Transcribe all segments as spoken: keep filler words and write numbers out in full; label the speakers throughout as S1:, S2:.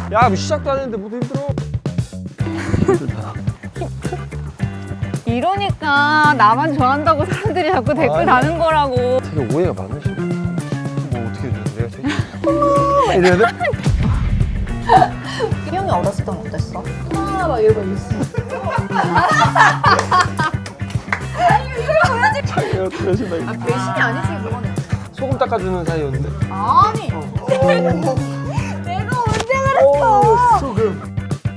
S1: 야, 뭐 시작도 안 했는데 뭐도 힘들어. 힘들다.
S2: 이러니까 나만 좋아한다고 사람들이 자꾸 댓글
S1: 아니.
S2: 다는 거라고.
S1: 되게 오해가 많으시네. 뭐 어떻게 해줘야 돼? 내가 되게 어머 이래야 돼?
S2: 형이 어렸을 땐 어땠어? 아, 막 이러고 있어.
S1: 자기가 배신다.
S2: 아, 배신이 아니지, 그거는.
S1: 소금 닦아주는 사이였는데.
S2: 아니. 내가 언제 그랬어?
S1: 오, 소금.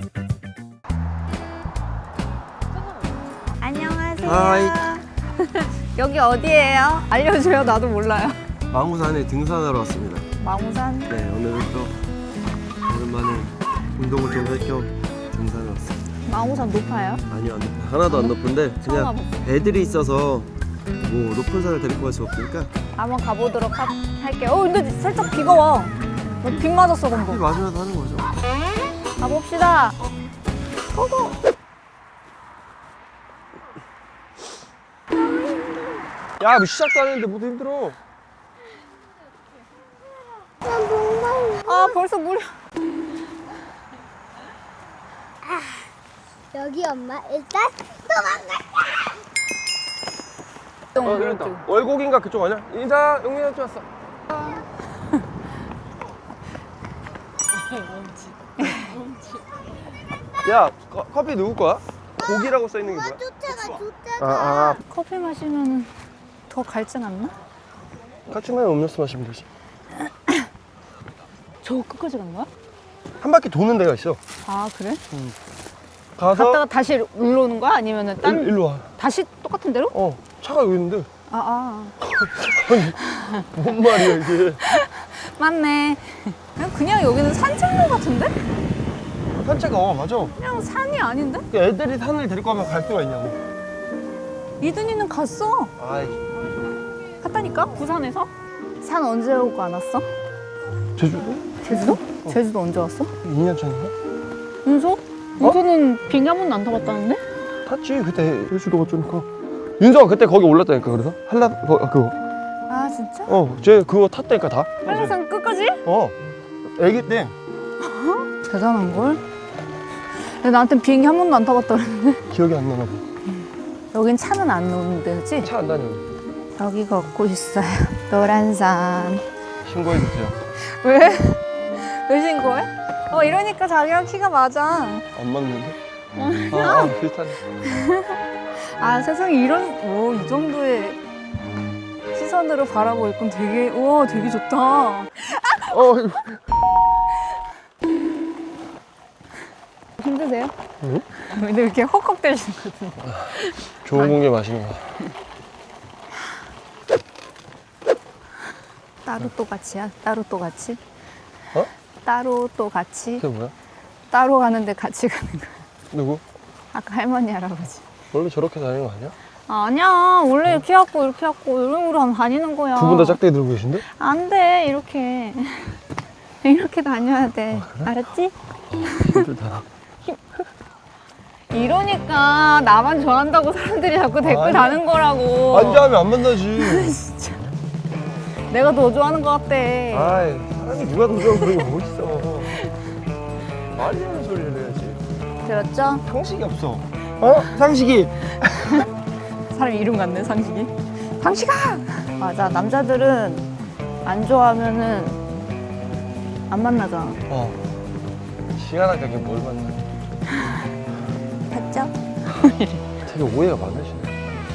S2: 안녕하세요.
S1: 하이.
S2: 여기 어디예요? 알려줘요. 나도 몰라요.
S1: 망우산에 등산하러 왔습니다.
S2: 망우산.
S1: 네, 오늘은 또 오랜만에 운동을 좀 할 겸 등산을 왔습니다.
S2: 망우산 높아요?
S1: 아니요, 안 높아. 하나도 안 높은데
S2: 처음
S1: 그냥
S2: 와봤어.
S1: 애들이 있어서 뭐 높은 산을 데리고 갈 수 없으니까
S2: 한번 가보도록 하, 할게요. 어, 근데 살짝 비가 와. 어, 비 맞았어,
S1: 비
S2: 방금.
S1: 맞으면서 하는 거죠.
S2: 가봅시다. 고고.
S1: 야, 뭐 시작도 안 했는데 뭐도 힘들어.
S2: 아, 벌써 물.
S3: 여기 엄마 일단 도망가.
S1: 어, 그랬다. 월곡인가 그쪽 아니야? 인사, 용민이 한테 왔어. 야, 커, 커피 누구 거야? 고기라고 써 있는 게 뭐야?
S3: 쫓아가 쫓아가.
S1: 아, 아,
S2: 커피 마시면 더 갈증 안 나?
S1: 같이 마면 음료수 마시면 되지.
S2: 저 끝까지 간 거야?
S1: 한 바퀴 도는 데가 있어.
S2: 아, 그래?
S1: 가서
S2: 갔다가 다시 일로 오는 거야? 아니면은 딴
S1: 일, 일로 와.
S2: 다시 똑같은 데로?
S1: 어, 차가 여기 있는데.
S2: 아, 아.
S1: 뭔 말이야 이게.
S2: 맞네. 그냥, 그냥 여기는 산책로 같은데?
S1: 산책, 어, 맞아.
S2: 그냥 산이 아닌데?
S1: 애들이 산을 데리고 가면 갈 수가 있냐고.
S2: 이든이는 갔어.
S1: 아이,
S2: 갔다니까? 부산에서? 산 언제 오고 안 왔어?
S1: 제주도?
S2: 제주도? 제주도 언제 왔어?
S1: 이 년 전인가?
S2: 윤소? 윤소는 비행기 한 번도 안 타봤다는데?
S1: 탔지, 그때 제주도가 좀 커. 윤서가 그때 거기 올랐다니까, 그래서? 한라, 거, 그거.
S2: 아, 진짜?
S1: 어, 쟤 그거 탔다니까, 다.
S2: 한라산 끝까지?
S1: 어, 애기 때.
S2: 대단한걸? 근데 나한텐 비행기 한 번도 안 타봤다 그랬는데.
S1: 기억이 안 나나 봐.
S2: 여긴 차는 안 오는 데지?
S1: 차 안 다녀.
S2: 여기 걷고 있어요. 노란 산.
S1: 신고해주세요.
S2: 왜? 왜 신고해? 어, 이러니까 자기랑 키가 맞아.
S1: 안 맞는데? 아, 아, 비슷하네.
S2: 아, 세상에 이런, 오, 이 정도의 시선으로 바라보고 있건 되게, 우와, 되게 좋다.
S1: 어,
S2: 힘드세요?
S1: 응?
S2: 근데 왜 이렇게 헉헉대시는 것 같은데?
S1: 좋은 공기 마시는 거.
S2: 따로 또 같이야? 따로 또 같이?
S1: 어?
S2: 따로 또 같이?
S1: 그게 뭐야?
S2: 따로 가는데 같이 가는 거야.
S1: 누구?
S2: 아까 할머니, 할아버지.
S1: 원래 저렇게 다니는 거 아니야?
S2: 아니야, 원래 이렇게 갖고 이렇게 갖고 이런 식으로 다니는 거야.
S1: 두 분 다 짝대기 들고 계신데?
S2: 안 돼, 이렇게. 이렇게 다녀야 돼. 알았지?
S1: 힘들다.
S2: 이러니까 나만 좋아한다고 사람들이 자꾸 댓글
S1: 아니.
S2: 다는 거라고.
S1: 앉아하면 안 만나지.
S2: 진짜. 내가 더 좋아하는 것 같대.
S1: 아이, 사람이 누가 더 좋아하고 그런 게 뭐 있어. 말이 되는 소리를 해야지.
S2: 들었죠?
S1: 상식이 없어. 어? 상식이.
S2: 사람 이름 같네, 상식이. 상식아! 맞아, 남자들은 안 좋아하면은 안 만나잖아.
S1: 어. 시간 아깝게 뭘 만나.
S2: 봤죠?
S1: 되게 오해가 많으시네.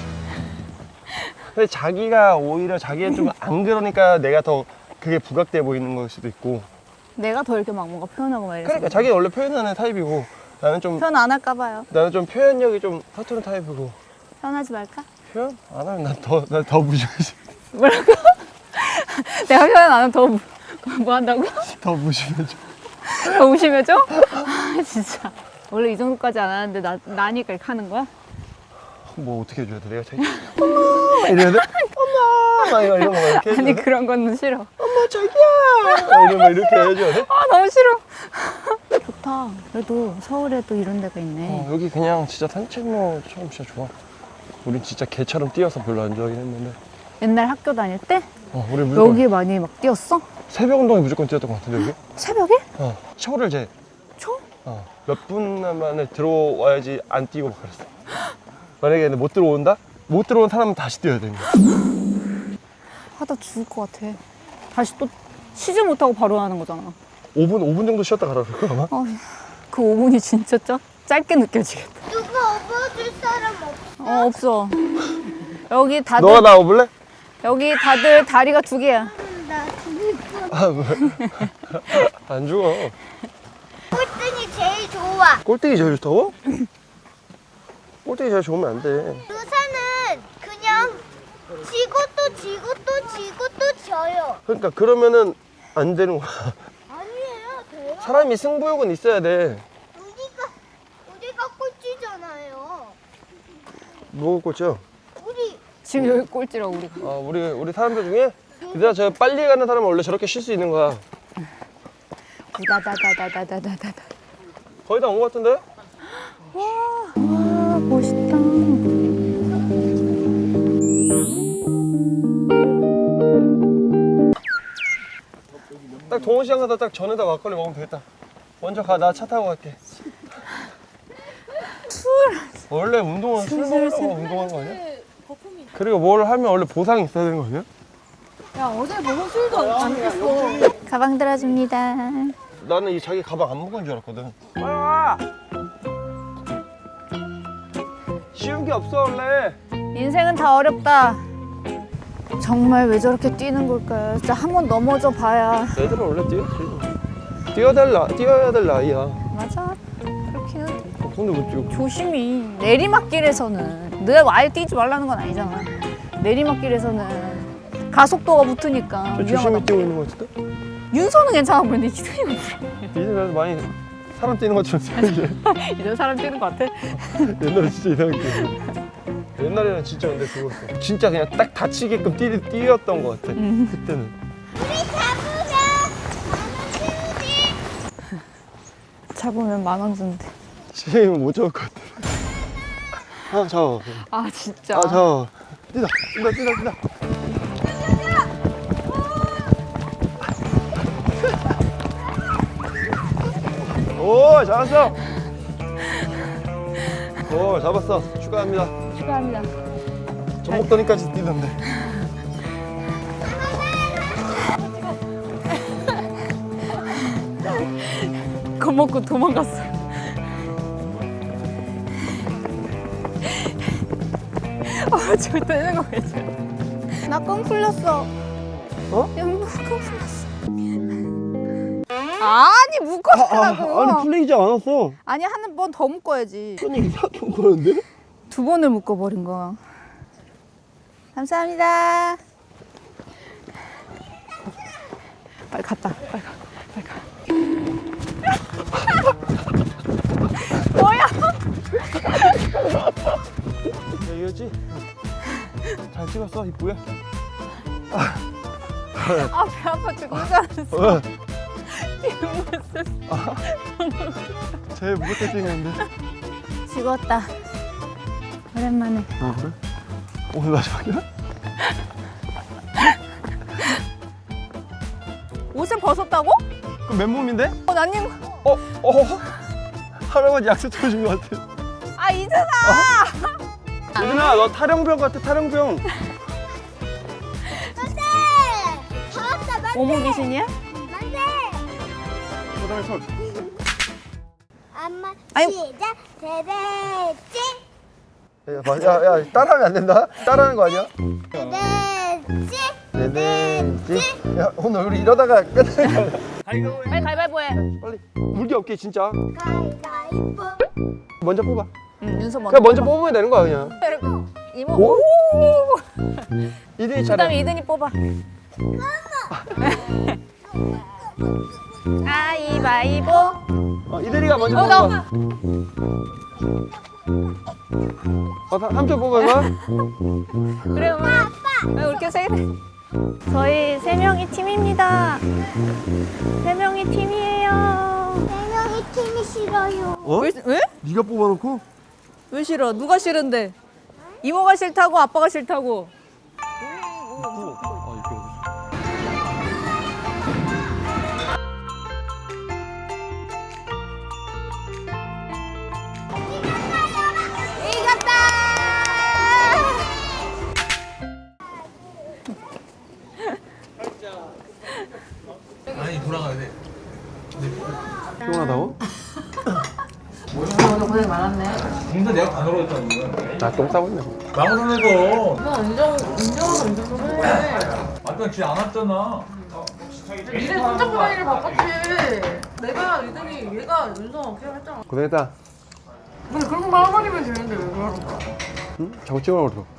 S1: 근데 자기가 오히려 자기는 좀 안 그러니까 내가 더 그게 부각돼 보이는 걸 수도 있고.
S2: 내가 더 이렇게 막 뭔가 표현하고 막 이래서.
S1: 그러니까 자기는 원래 표현하는 타입이고 나는 좀
S2: 표현 안 할까 봐요.
S1: 나는 좀 표현력이 좀 서투른 타입이고.
S2: 표현하지 말까?
S1: 표현 안 하면 난 더 난 더 무시하지.
S2: 뭐라고? 내가 표현 안 하면 더 뭐, 뭐 한다고?
S1: 더 무시하죠.
S2: 더 의심해줘? 아, 진짜. 원래 이 정도까지 안 하는데 나, 나니까 이렇게 하는 거야?
S1: 뭐 어떻게 해줘야 돼? 내가 자기 엄마 이래야 돼? 엄마 막 이런 거 막 이렇게 해줘야
S2: 아니,
S1: 돼?
S2: 그런 건 싫어.
S1: 엄마 자기야 막 이런 거 이렇게 해줘야 돼?
S2: 아, 너무 싫어. 좋다. 그래도 서울에도 이런 데가 있네.
S1: 어, 여기 그냥 진짜 산책로처럼 진짜 좋아. 우린 진짜 개처럼 뛰어서 별로 안 좋아하긴 했는데.
S2: 옛날 학교 다닐 때
S1: 어, 우리 무조건
S2: 여기 많이 막 뛰었어?
S1: 새벽 운동에 무조건 뛰었던 것 같은데 여기?
S2: 새벽에?
S1: 어, 서울을 이제 어, 몇 분 만에 들어와야지 안 뛰고 막 그랬어. 만약에 못 들어온다? 못 들어온 사람은 다시 뛰어야 되는 거야.
S2: 하다 죽을 것 같아. 다시 또 쉬지 못하고 바로 하는 거잖아.
S1: 오 분, 오 분 정도 쉬었다 가라 그럴까 아마?
S2: 어, 그 오 분이 진짜 짜, 짧게 느껴지겠다.
S3: 누가 업어줄 사람 없어?
S2: 어, 없어. 여기 다들,
S1: 너가 나와볼래?
S2: 여기 다들 다리가 두 개야.
S3: 나 죽을 뻔.
S1: 아, 왜? 안 죽어.
S3: 꼴등이 제일 좋아.
S1: 꼴등이 제일 좋다고? 꼴등이 제일 좋으면 안 돼.
S3: 루사는 그냥 지고 또 지고 또 지고 또 져요.
S1: 그러니까 그러면은 안 되는 거야.
S3: 아니에요, 돼요.
S1: 사람이 승부욕은 있어야 돼.
S3: 우리가 우리가 꼴찌잖아요.
S1: 뭐가 꼴찌야?
S3: 우리
S2: 지금 여기 꼴찌라고, 우리가.
S1: 아, 우리 우리 사람들 중에 얘들아 저 빨리 가는 사람은 원래 저렇게 쉴 수 있는 거야.
S2: 다다다다다다다다.
S1: 거의 다 온 거 같은데?
S2: 와, 멋있다.
S1: 딱 동호시장 가서 딱 전에다 막걸리 먹으면 되겠다. 먼저 가, 나 차 타고 갈게. 원래 운동은 술 먹으려고 운동하는 거 아니야? 그리고 뭘 하면 원래 보상이 있어야 되는 거 아니야?
S2: 야, 어제 먹은 술도 안 깼어. 가방 들어줍니다.
S1: 나는 이 자기 가방 안 무거운 줄 알았거든. 빨리 와! 쉬운 게 없어 원래.
S2: 인생은 다 어렵다. 정말 왜 저렇게 뛰는 걸까요? 진짜 한 번 넘어져 봐야.
S1: 애들은 원래 뛰었지. 뛰어야 될 나, 뛰어야 될 나이야.
S2: 맞아. 그렇게는
S1: 어, 근데 못 뛰고.
S2: 조심히. 내리막길에서는 늘 아예 뛰지 말라는 건 아니잖아. 내리막길에서는 가속도가 붙으니까
S1: 조심히
S2: 위험하다.
S1: 뛰고 있는 거 같은데?
S2: 윤서는 괜찮아 보이는데 이선이
S1: 이제 나도 많이 사람 뛰는 것처럼 뛰는데.
S2: 이제 사람 뛰는 것 같아.
S1: 옛날에 진짜 이상하게 뛰었어. 옛날에는 진짜 근데 그거였어. 진짜 그냥 딱 다치게끔 뛰, 뛰었던 것 같아.
S2: 음.
S1: 그때는.
S3: 우리 잡으면 만원 주지.
S2: 잡으면 만 원 준대.
S1: 지금 못 잡을 것 같아. 아, 저.
S2: 아 진짜.
S1: 아, 저. 뛰다, 뛰다, 뛰다, 뛰다. 오, 잡았어. 오, 잡았어. 축하합니다.
S2: 축하합니다.
S1: 전목더니까지 뛰던데.
S2: 겁먹고 도망갔어. 아 저기 떼는 거 괜찮아. 나껌 풀렸어.
S1: 어?
S2: 양복 껌 풀렸어. 아니 묶었다고.
S1: 아니, 풀리지 않았어.
S2: 아니 한 번 더 묶어야지.
S1: 아니, 이상하게 묶었는데?
S2: 두 번을 묶어버린 거야. 감사합니다. 빨리 갔다. 빨리 가. 빨리 가. 뭐야?
S1: 야, 이거지? 잘 찍었어, 이쁘게?
S2: 아 배 아파 죽는 줄 알았어.
S1: 어,
S2: 뒷모습.
S1: 제일 무겁게 찍었는데.
S2: 죽었다. 오랜만에.
S1: 아, 그래? 오늘 마지막이야?
S2: 옷을 벗었다고?
S1: 그 맨몸인데?
S2: 어, 난님.
S1: 어? 어? 할아버지 약속 쳐준 것 같아.
S2: 아, 이준아!
S1: 유진아, 너 탈영병 같아, 탈영병.
S3: 만세! 잡았다, 만세!
S2: 오모 귀신이야?
S3: 만세!
S1: 그 다음에 손.
S3: 엄마
S2: 아유.
S3: 시작! 대대지!
S1: 야, 봐, 야, 야, 따라하면 안 된다. 따라하는 거 아니야?
S3: 대대지!
S1: 네네지. 야, 오늘 우리 이러다가 끝나는 거야.
S2: 빨리 가위바위보 해.
S1: 빨리. 물기 없게, 진짜.
S3: 가위바위보!
S1: 먼저 뽑아.
S2: 응, 윤서 먼저.
S1: 그냥 먼저 뽑으면 되는 거야, 그냥.
S2: 이모.
S1: 오?
S2: 오!
S1: 이든이
S2: 그 다음에
S1: 차례.
S2: 이든이 뽑아. 가위바위보.
S1: 어, 이든이가 먼저
S2: 어,
S1: 뽑아.
S2: 나.
S1: 어, 삼촌 뽑은 거야?
S2: 그래, 엄마. 왜 이렇게 세 개? 저희 세 명이 팀입니다. 세 명이 팀이에요.
S3: 네 명이 팀이 싫어요.
S1: 어?
S2: 왜? 왜?
S1: 네가 뽑아놓고?
S2: 왜 싫어? 누가 싫은데? 이모가 싫다고 아빠가 싫다고.
S1: 아, 이거.
S4: 돌아가야 돼.
S1: 피곤하다고?
S5: 오늘 고생 많았네.
S4: 공사 내가 다 놀았다는 거야.
S1: 나 똥 싸고 있네.
S4: 망원선에서
S5: 너 인정, 인정하고 인정도 해.
S4: 아까 쥐안 왔잖아.
S5: 니네 손잡고 다니를 바꿨지. 내가 이들이 얘가 윤성아 그냥 했잖아.
S1: 고생했다.
S5: 근데 그런 말 한마디면 되는데 왜 그러는 거야?
S1: 응? 자꾸 찍으라고 그러.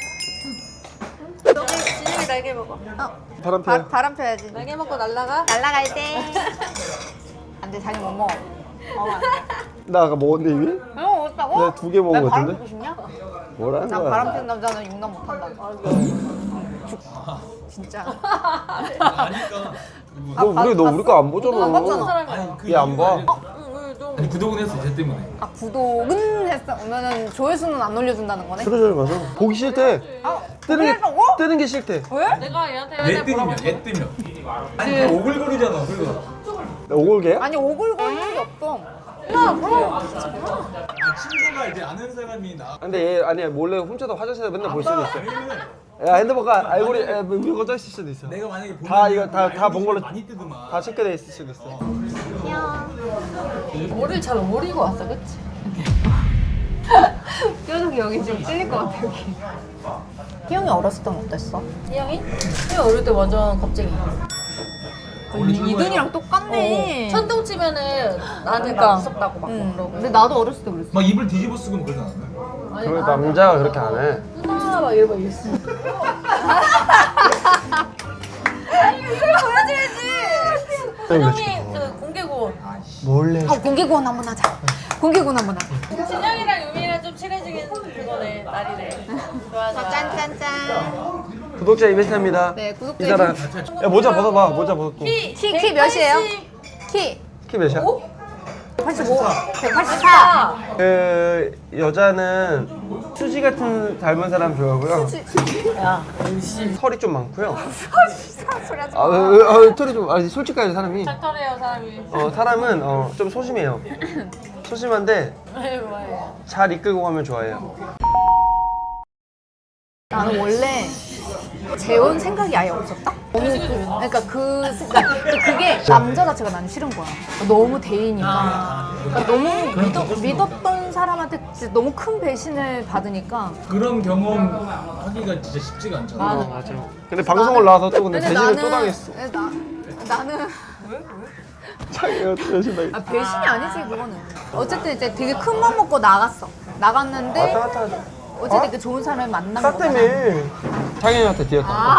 S2: 너희 진영이 날개 먹어. 어.
S1: 바람
S2: 바,
S1: 피워.
S2: 바람 펴야지.
S5: 날개 먹고 날라가?
S2: 날라갈 때. 안돼 자기 못 먹어. 어, 안 돼.
S1: 나 아까 먹었는데 이미?
S2: 형 어디다고?
S1: 내가 두 개 먹은 거
S2: 바람
S1: 같은데?
S2: 피고 싶냐?
S1: 뭐라는
S2: 난
S1: 거야?
S2: 바람 피는 남자는 용납 못한다. 죽. 진짜.
S4: 아니까.
S1: 너 우리 너 우리 거 안 보잖아.
S2: 안 봤잖아.
S4: 아니 그
S1: 얘 안
S4: 이유가
S1: 봐.
S4: 아니라-
S5: 응, 왜 좀.
S4: 아니 구독은 했어 쟤 때문에.
S2: 아 구독은 했어. 그러면은 조회수는 안 올려준다는 거네?
S1: 그러지 마서 보기 싫대.
S2: 아
S1: 뜨는 게
S2: 그랬다고?
S1: 뜨는 게 싫대.
S2: 왜?
S5: 내가 얘한테
S4: 얘
S5: 얘한테 뭐라고
S4: 뜨면 얘 뜨면. 아니 그 오글거리잖아. 그리고
S1: 오골개야?
S2: 아니 오글거릴 일이 없어.
S5: 야, 그럼.
S4: 아, 친구가 이제 아는 사람이 나.
S1: 근데 얘 아니야 몰래 훔쳐서 화장실에 맨날 볼 수도 있어.
S4: 아니면은
S1: 야 핸드폰가 알고리 에, 뭐 이런 거 떠있을 수도 있어.
S4: 내가 만약에 보면
S1: 다 이거 다 다 본 걸로
S4: 많이 뜨더만.
S1: 다 체크돼 있을 수도 있어.
S5: 머리를 잘 오리고 왔어, 그치? 뾰족이 여기 좀 찔릴 것 같아, 여기.
S2: 희영이 어렸을 땐 어땠어?
S5: 희영이? 희영 어릴 때 완전 겁쟁이.
S2: 이든이랑 똑같네.
S5: 천둥 치면은 나한테
S2: 그러니까.
S5: 막 무섭다고 막
S2: 응.
S5: 그러고.
S2: 근데 나도 어렸을 때 그랬어.
S4: 막 입을 뒤집어 쓰고 뭐 그러지 않았나?
S5: 아니,
S1: 그래
S5: 아,
S1: 남자가 그렇게 안 해.
S5: 누나 막 이러고 있어. 준영이 그 공개구원.
S1: 몰래.
S2: 어, 공개구원 한번 하자. 공개구원 한번 하자.
S5: 진영이랑 유미랑 좀 친해지긴 그거네, 날이네. 좋아, 좋아.
S2: 짠짠짠.
S1: 구독자 이벤트입니다.
S2: 네, 구독자
S1: 이사람. 야 모자 벗어봐. 모자 벗고.
S5: 키,
S2: 키, 키 몇이에요? 키
S1: 키 몇이야?
S2: 백팔십오. 백팔십사.
S1: 그 여자는 수지 같은 닮은 사람 좋아하고요.
S5: 야,
S1: 털이 좀 많고요.
S2: 소리 하지
S1: 아,
S2: 마.
S1: 어, 어, 어, 털이 좀 아니 솔직하게 사람이.
S5: 짝털해요, 사람이.
S1: 어 사람은 어, 좀 소심해요. 소심한데
S5: 왜, 왜.
S1: 잘 이끌고 가면 좋아해요.
S2: 나는 원래 재혼 생각이 아예 없었다. 너무 그러니까 그 그러니까 그게 남자 자체가 나는 싫은 거야. 너무 대이니까. 그러니까 너무 믿어, 믿었던 사람한테 진짜 너무 큰 배신을 받으니까.
S4: 그런 경험 하기가 진짜 쉽지가 않잖아.
S1: 어, 맞아. 근데 방송을 나와서 또 근데
S2: 근데
S1: 배신을
S2: 나는-
S1: 또 당했어.
S2: 나 나는
S1: 자기가 배신 당했어.
S2: 아, 배신이 아니지 그거는. 어쨌든 이제 되게 큰 맘 먹고 나갔어. 나갔는데
S1: 왔다 갔다 하죠.
S2: 어쨌든 그 좋은 사람을 만난
S1: 나
S2: 거잖아.
S1: 때문에 창현이한테 뒤였다.
S2: 아,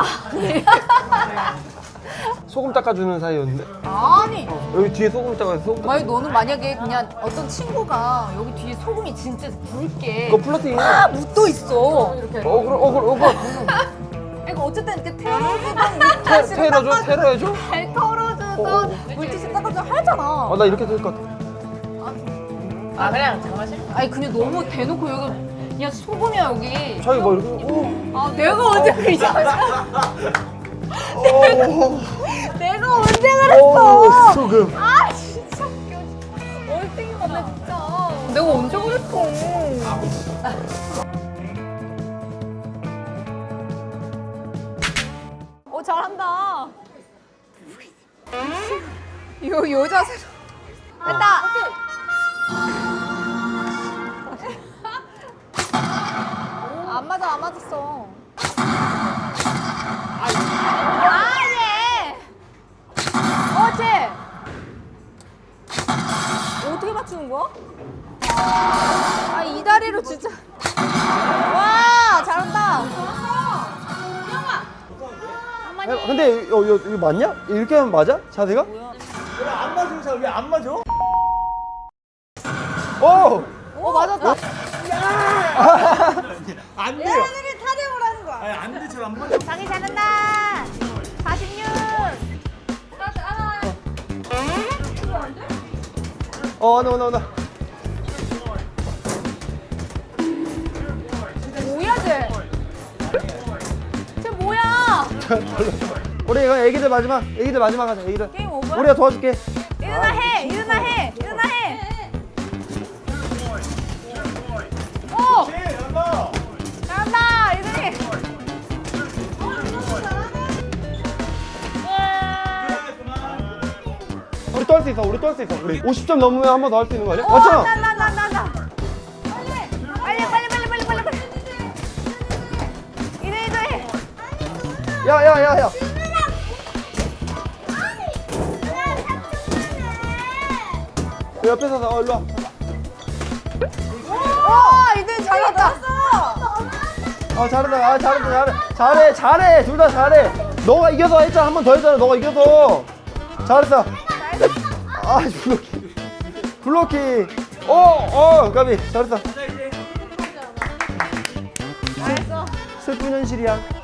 S1: 소금 닦아주는 사이였는데
S2: 아니.
S1: 여기 뒤에 소금 닦아서 소금 닦아.
S2: 아니 너는 만약에 그냥 어떤 친구가 여기 뒤에 소금이 진짜 굵게
S1: 그거 플러팅이야.
S2: 아 묻어 있어.
S1: 어그러 어그러 어그러.
S2: 그러니까 어쨌든 이렇게 테러주던
S1: 테- 테러줘 테러해줘.
S2: 잘 털어주던 물티슈 닦아줘 하잖아.
S1: 어 나 이렇게 될 것 같아.
S5: 아, 그냥 정말 싫어.
S2: 아니 그냥 너무 대놓고 여기 그냥 소금이야 여기.
S1: 자기 뭐 이렇게. 오.
S2: 아 내가 언제 그 이상하잖아.
S1: 오.
S2: 내가 언제
S1: 오
S2: 그랬어.
S1: 소금.
S2: 아 진짜 웃겨. 얼탱이 같네 진짜. 내가 언제 그랬어. 어 잘한다. 요 여자 새로. 됐다. 안 맞아 안 맞았어. 아니. 어째. 어떻게 맞추는 거야? 아 이 다리로 진짜. 와 잘한다.
S1: 야, 근데 이거, 이거, 이거 맞냐? 이렇게 하면 맞아? 자세가?
S4: 안 맞아. 왜안 맞아?
S1: 오.
S2: 어 맞았다.
S4: 안 돼요.
S2: 얘네들이 타령을 하는 거야.
S4: 아니 안 돼. 잘 안 맞아.
S2: 자기 잘한다. 사십육.
S1: 어, 나, 나, 나.
S2: 뭐야 쟤? 쟤 뭐야?
S1: 우리 이거 애기들 마지막, 애기들 마지막 하자. 애기들.
S2: 게임 오버?
S1: 우리가 도와줄게.
S2: 일어나 해. 일어나 해. 일어나 해. 오. 잘한다. 이들이.
S1: 우리 또 할 수 있어. 우리 또 할 수 있어. 우리 오십 점 넘으면 한 번 더 할 수 있는 거 아니야? 맞잖아.
S2: 나 나 나 나. 빨리 빨리 빨리 빨리 빨리 빨리. 이래 이래.
S1: 야, 야, 야, 야. 그 옆에 서서 어, 일로 와.
S2: 와 이들 잘한다.
S1: 어, 잘한다. 아, 잘한다. 잘해. 잘해. 잘해. 둘 다 잘해. 너가 이겨서 했잖아. 한 번 더 했잖아. 너가 이겨서. 잘했어. 아, 블로킹. 블로킹. 어, 어, 까비. 잘했어.
S2: 잘했어.
S1: 슬픈 현실이야.